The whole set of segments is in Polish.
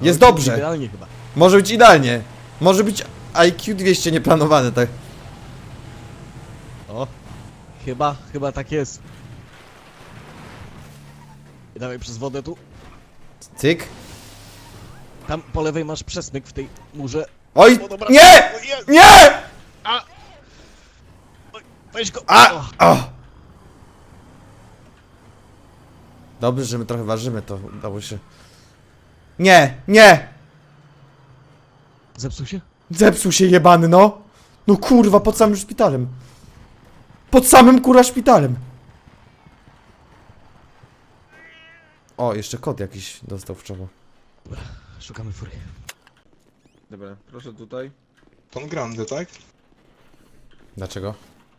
Jest dobrze. Idealnie chyba. Może być idealnie. Może być IQ 200 nieplanowane, tak. O, chyba tak jest. I dawaj przez wodę tu. Cyk. Tam po lewej masz przesmyk w tej murze. Oj! O, dobra. Nie! O, jest! Nie! Weź go! A! O, O! Dobrze, że my trochę ważymy, to udało się. Nie! Nie! zepsuł się? Zepsuł się jebany, no! No kurwa, pod samym szpitalem. Pod samym kurwa szpitalem. O, jeszcze kot jakiś dostał w czoło. Szukamy fury. Dobra, proszę tutaj. Pan Grande, tak? Dlaczego?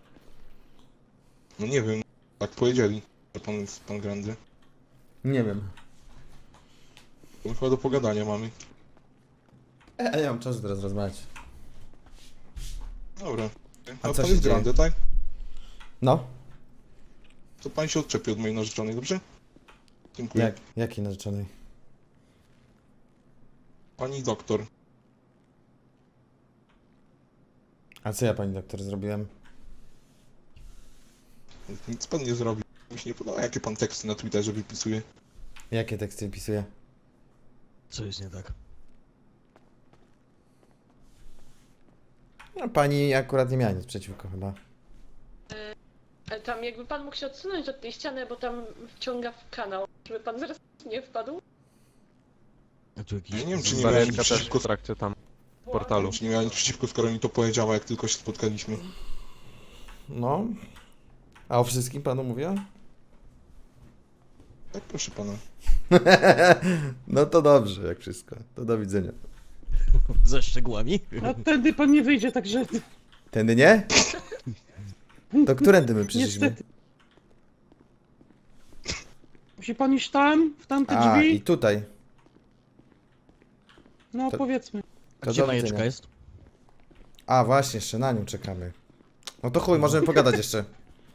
No nie wiem, tak powiedzieli, że pan jest pan Grande. Nie wiem. No chyba do pogadania mamy. Ja mam czas teraz rozmawiać. Dobra. A A co pan się jest dzieje? Grande, tak? No? To pan się odczepi od mojej narzeczonej, dobrze? Dziękuję. Jakiej narzeczonej? Pani doktor. A co ja pani doktor zrobiłem? Nic pan nie zrobi. Mi się nie podoba, jakie pan teksty na Twitterze wypisuje. Jakie teksty wpisuję? Co jest nie tak? No pani akurat nie miała nic przeciwko chyba. Ale tam jakby pan mógł się odsunąć od tej ściany, bo tam wciąga w kanał, żeby pan zaraz nie wpadł. A tu Ja jakiś... nie wiem, czy nie miała nic Barierka też przeciwko, w trakcie tam portalu. czy nie miała nic przeciwko, skoro mi to powiedziała, jak tylko się spotkaliśmy. No. A o wszystkim panu mówiła? Tak, proszę pana. No to dobrze, jak wszystko. To do widzenia. Ze szczegółami? A tędy pan nie wyjdzie, także Tędy nie? To którędy my przyszliśmy? niestety. Musi pan iść tam, w tamte A, i drzwi? tutaj. No to- powiedzmy. A To gdzie do majeczka widzenia. jest? A, właśnie, jeszcze na nią czekamy. No to chuj, możemy pogadać jeszcze.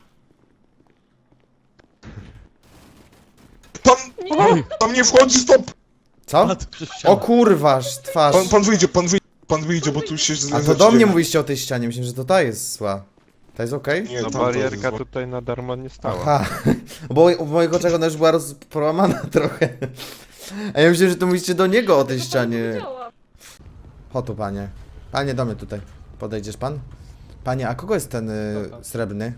Pan! Oj! Tam nie wchodzi, stop! Co? A, to przez ścianę. O kurwa, twarz. Pan wyjdzie, bo tu się A to do mnie mówiliście o tej ścianie, myślę, że to ta jest zła. Ta jest okej? Nie, No tam barierka to jest tutaj na darmo nie stała. Aha, bo w moich oczach ona już była połamana trochę. A ja myślałem, że to mówicie do niego o tej ścianie. Widziałam. Chodź tu, panie. Panie, do mnie tutaj. Podejdziesz pan? Panie, a kogo jest ten srebrny?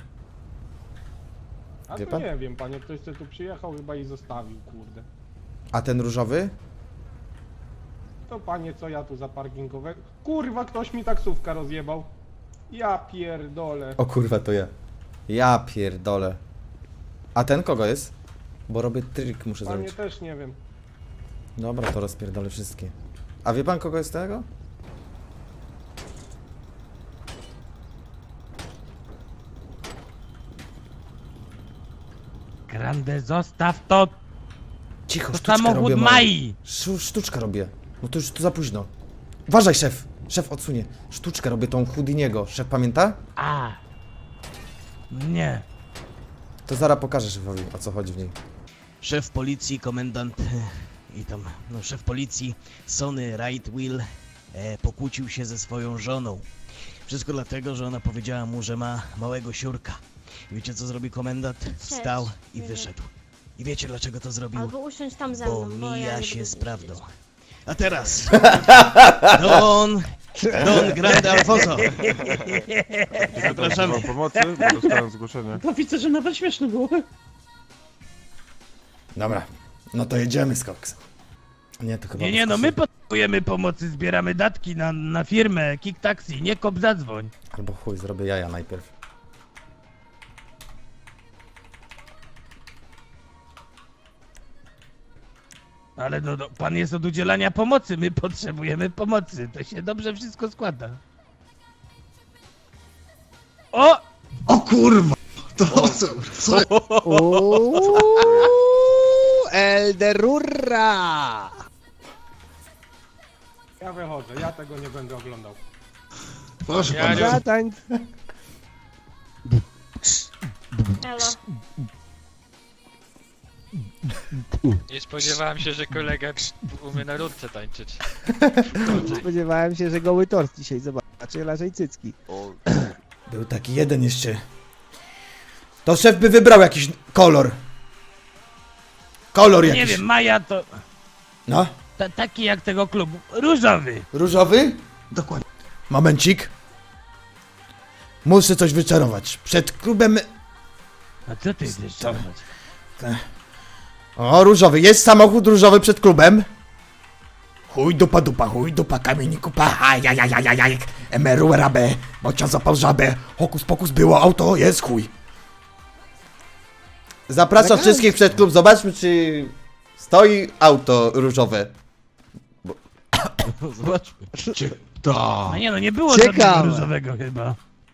A Wie to pan? nie wiem, panie, ktoś tu przyjechał chyba i zostawił, kurde. A ten różowy? To panie, co ja tu za parkingowego... Kurwa, ktoś mi taksówkę rozjebał. Ja pierdolę. O kurwa, to ja. Ja pierdolę. A ten kogo jest? Bo robię trik, muszę Panie, zrobić. też nie wiem. Dobra, to rozpierdolę wszystkie. A wie pan kogo jest tego? Grande, zostaw to! Cicho, To sztuczkę samochód robię. Mai! Sztuczkę robię. No to już to za późno. Uważaj, szef. Szef odsunie. Sztuczkę robię tą Houdiniego. Szef pamięta? A! Nie. To zaraz pokażę szefowi, o co chodzi w niej. Szef policji, komendant i tam, no szef policji Sonny Right Will pokłócił się ze swoją żoną. Wszystko dlatego, że ona powiedziała mu, że ma małego siurka. I wiecie co zrobił komendant? Wstał i Nie wyszedł. I wiecie dlaczego to zrobił? Albo usiąść tam ze Bo mną, bo ja mija nie się będę z siedzieć. prawdą. A teraz Don Grande Alfonso. Zapraszamy. Potrzeba pomocy, bo dostałem zgłoszenie. To widzę, że nawet śmieszne było. Dobra. No to jedziemy z koksem. Nie, to chyba... Nie, no my potrzebujemy pomocy, zbieramy datki na firmę Kick Taxi, nie kop zadzwoń. Albo chuj, zrobię jaja najpierw. Ale no, pan jest od udzielania pomocy, my potrzebujemy pomocy, to się dobrze wszystko składa. O! O kurwa! Elderurra! Ja wychodzę, ja tego nie będę oglądał. Proszę Ja pana. nie- Zatań. Elo. Nie spodziewałem się, że kolega umie na rurce tańczyć. Spodziewałem się, że goły tort dzisiaj zobaczy, raczej cycki. Był taki jeden jeszcze. To szef by wybrał jakiś kolor. Kolor jakiś. Nie wiem, Maja to No, taki jak tego klubu. Różowy. różowy? Dokładnie. Momencik. Muszę coś wyczarować. Przed klubem... A co ty chcesz czarować? O, różowy. Jest samochód różowy przed klubem. Chuj dupa, kamieni kupa, ajajajajajaj, emeru rabę, bocia zapał żabę, hokus pokus było, auto jest chuj. Zapraszam wszystkich przed klub, zobaczmy czy stoi auto różowe. Zobaczmy. A nie no, nie było Ciekawe. żadnego różowego chyba.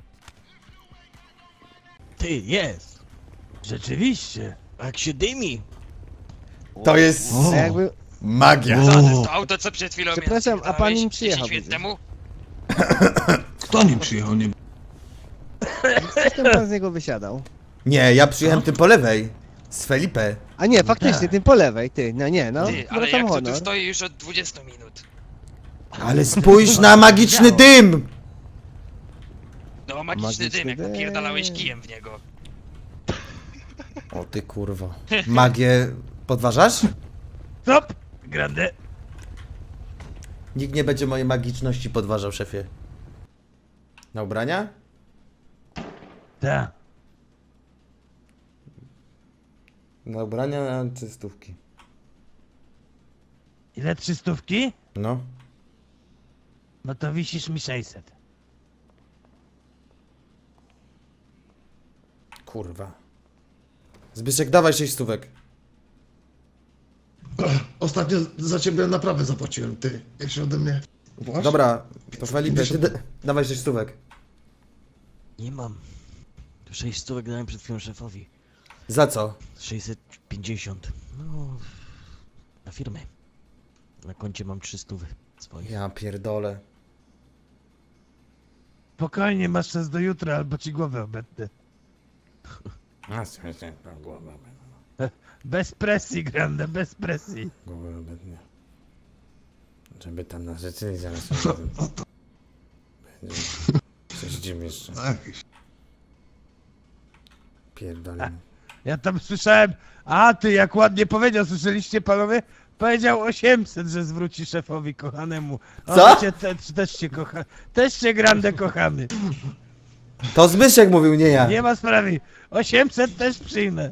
Ty, jest. Rzeczywiście. Jak się dymi. To jest A jakby... magia. To auto, co przed chwilą Przepraszam, a pan nim przyjechał 10 minut temu? Kto nim przyjechał? Nie... Potem pan z niego wysiadał. Nie, ja przyjechałem tym po lewej. Z Felipe. A nie, faktycznie, tym po lewej, ty, no nie, no, Ty, ale zwracam jak to tu honor. stoi już od 20 minut? Ale spójrz na magiczny dym! No, magiczny dym, jak dym. napierdalałeś kijem w niego. O ty kurwo. Magię podważasz? Stop! Grande. Nikt nie będzie mojej magiczności podważał, szefie. Na ubrania? Tak. Na ubrania na czystówki. Ile 300? No. No to wisisz mi 600. Kurwa. Zbyszek, dawaj 6 stówek. Ostatnio za ciebie naprawę zapłaciłem, ty. Jak się ode mnie... Dobra, to Felipe, ty dawaj 6 stówek. Nie mam. 6 stówek dałem przed chwilą szefowi. Za co? 650. No, na firmę. Na koncie mam 300 swoich. Ja pierdolę. Spokojnie, masz czas do jutra, albo ci głowę obetnę. Bez presji, Grande, bez presji. Głowę obetnie. Żeby tam na rzeczy zaraz będzie. Coś jeszcze. Pierdolę. Ja tam słyszałem, a ty jak ładnie powiedział, słyszeliście panowie? Powiedział 800, że zwróci szefowi kochanemu. O, Co? Cię też cię kocha, też cię Grande kochamy. To Zbyszek mówił, nie ja. Nie ma sprawy, 800 też przyjmę.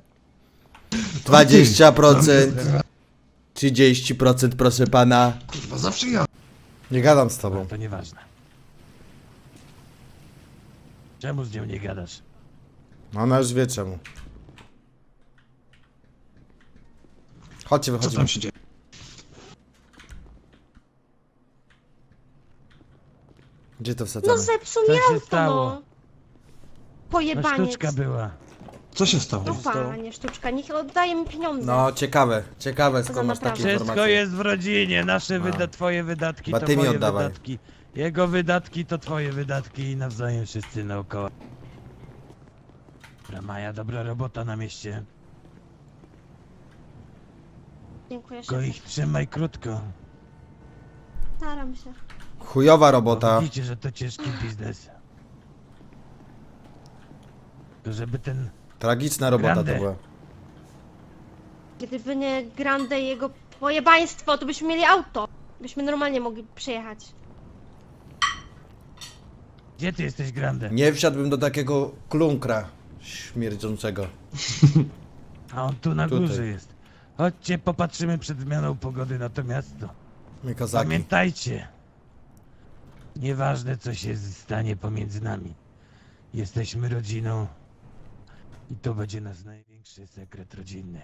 20%. 30% proszę pana. Kurwa, zawsze ja. Nie gadam z tobą. To nieważne. Czemu z nią nie gadasz? Ona już wie czemu. Chodźcie, Co wychodzimy. tam się dzieje? Gdzie to No wsadzamy? zepsuł Co mi się auto, stało? no. No Pojebaniec. sztuczka była. Co się stało? No panie, sztuczka, niech oddaje mi pieniądze. No, ciekawe skąd Za masz takie naprawę. Wszystko informacje. jest w rodzinie, nasze No. twoje wydatki Ba to ty mi moje oddawaj. wydatki. Jego wydatki to twoje wydatki i nawzajem wszyscy naokoło. Dobra, Maja, dobra robota na mieście. Dziękuję, Tylko szefie. ich trzymaj krótko. Staram się. Chujowa Bo robota. widzicie, że to ciężki biznes. Tylko żeby ten... Tragiczna robota Grande. to była. Gdyby nie Grande i jego pojebaństwo, to byśmy mieli auto. Byśmy normalnie mogli przejechać. Gdzie ty jesteś, Grande? Nie wsiadłbym do takiego klunkra śmierdzącego. A on tu na Tutaj. górze jest. Chodźcie, popatrzymy przed zmianą pogody na to miasto. My kozaki. Pamiętajcie, nieważne co się stanie pomiędzy nami, jesteśmy rodziną i to będzie nasz największy sekret rodzinny.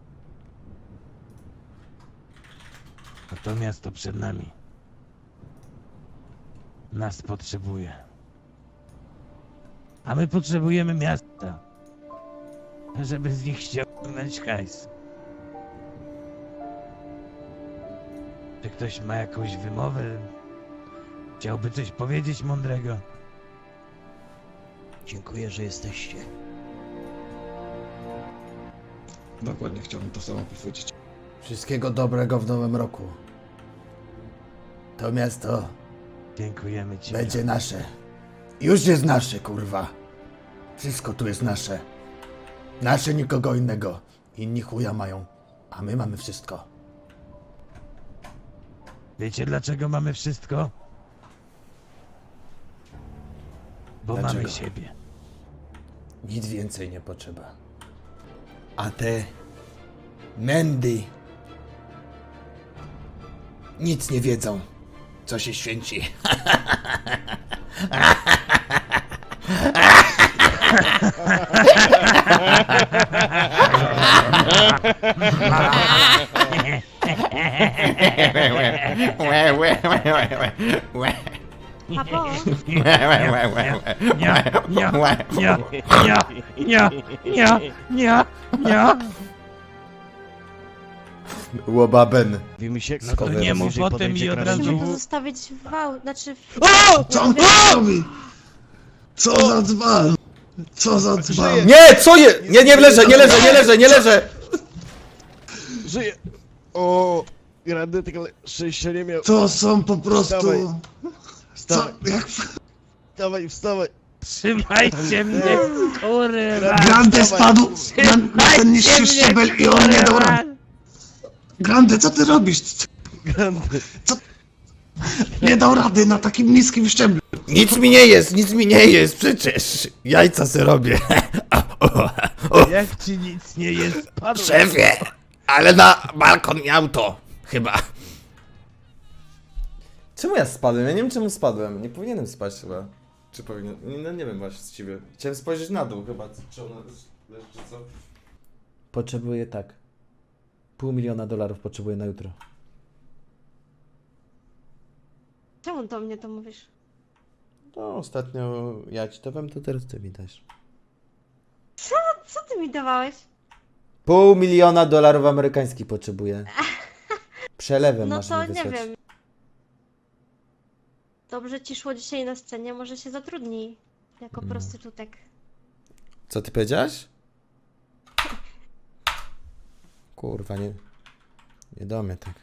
A to miasto przed nami nas potrzebuje. A my potrzebujemy miasta, żeby z nich ściągnąć hajs. Czy ktoś ma jakąś wymowę? Chciałby coś powiedzieć mądrego? Dziękuję, że jesteście. Dokładnie chciałbym to samo powiedzieć. Wszystkiego dobrego w nowym roku. To miasto Dziękujemy ci. będzie nasze. Już jest nasze, kurwa. Wszystko tu jest nasze. Nasze, nikogo innego. Inni chuja mają, a my mamy wszystko. Wiecie dlaczego mamy wszystko? Bo Dlaczego? mamy siebie. Nic więcej nie potrzeba. A te mędy nic nie wiedzą, co się święci. Papo, Łobaben. Mówimy się, No to nie mów o tym i od razu... musimy to zostawić w znaczy... Co on robi? Co za dzban? Co za dzban? Nie, co je? Nie leżę. Żyje! O, Grandy, tylko szczęścia nie miał. To są po prostu... Co? Jak... Wstawaj! Trzymajcie mnie, kurwa! Grande spadł na ten niższy szczebel i on nie dał rady. Grande, co ty robisz? Grandy! Nie dał rady na takim niskim szczeblu. Nic mi nie jest przecież. Jajca se robię. Jak ci nic nie jest, padł. Szefie, ale na balkon miał to. Chyba. Czemu ja spadłem? Ja nie wiem czemu spadłem. Nie powinienem spać chyba. Czy powinien? No nie wiem właściwie. Chciałem spojrzeć na dół chyba. Czy ona leży, czy co? Potrzebuję tak. $500,000 potrzebuję na jutro. Czemu do mnie to mówisz? No ostatnio ja ci dawałem, to teraz ty mi dasz. Co ty mi dawałeś? $500,000 amerykańskich potrzebuję. Przelewem No masz to mi nie wysłać. wiem. Dobrze ci szło dzisiaj na scenie, może się zatrudnij jako prostytutek. Co ty powiedziałaś? Kurwa, nie do mnie tak.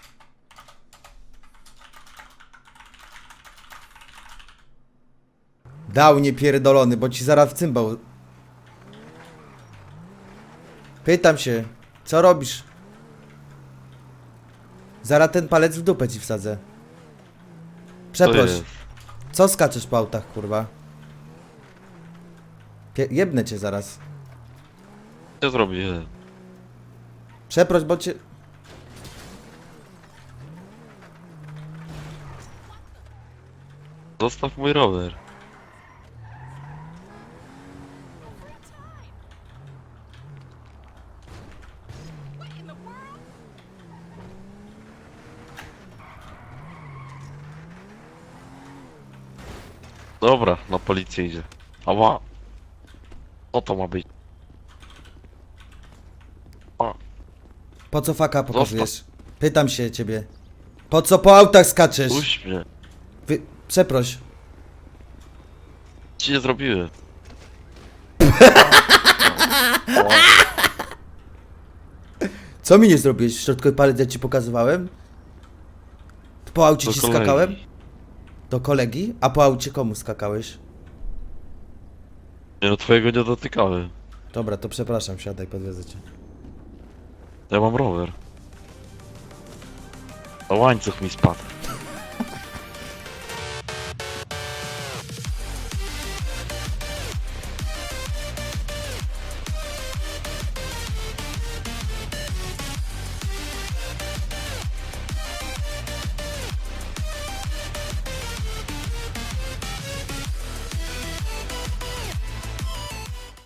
Dał niepierdolony, bo ci zaraz w cymbał. Pytam się, co robisz? Zaraz ten palec w dupę ci wsadzę. Przeproś. Co skaczesz po autach, kurwa? Jebnę cię zaraz. Co zrobię? Przeproś, bo cię... Zostaw mój rower. Dobra, na policję idzie. Ała. Co to ma być? Po co faka pokazujesz? Pytam się ciebie. Po co po autach skaczesz? Puść mnie. Przeproś. Ci nie zrobiłem. Co mi nie zrobiłeś? Środkowy palec ja ci pokazywałem? Po aucie Do ci kolegi. skakałem? Do kolegi? A po aucie komu skakałeś? Nie no, twojego nie dotykałem. Dobra, to przepraszam, siadaj, podwiedzę cię. Ja mam rower. A łańcuch mi spadł.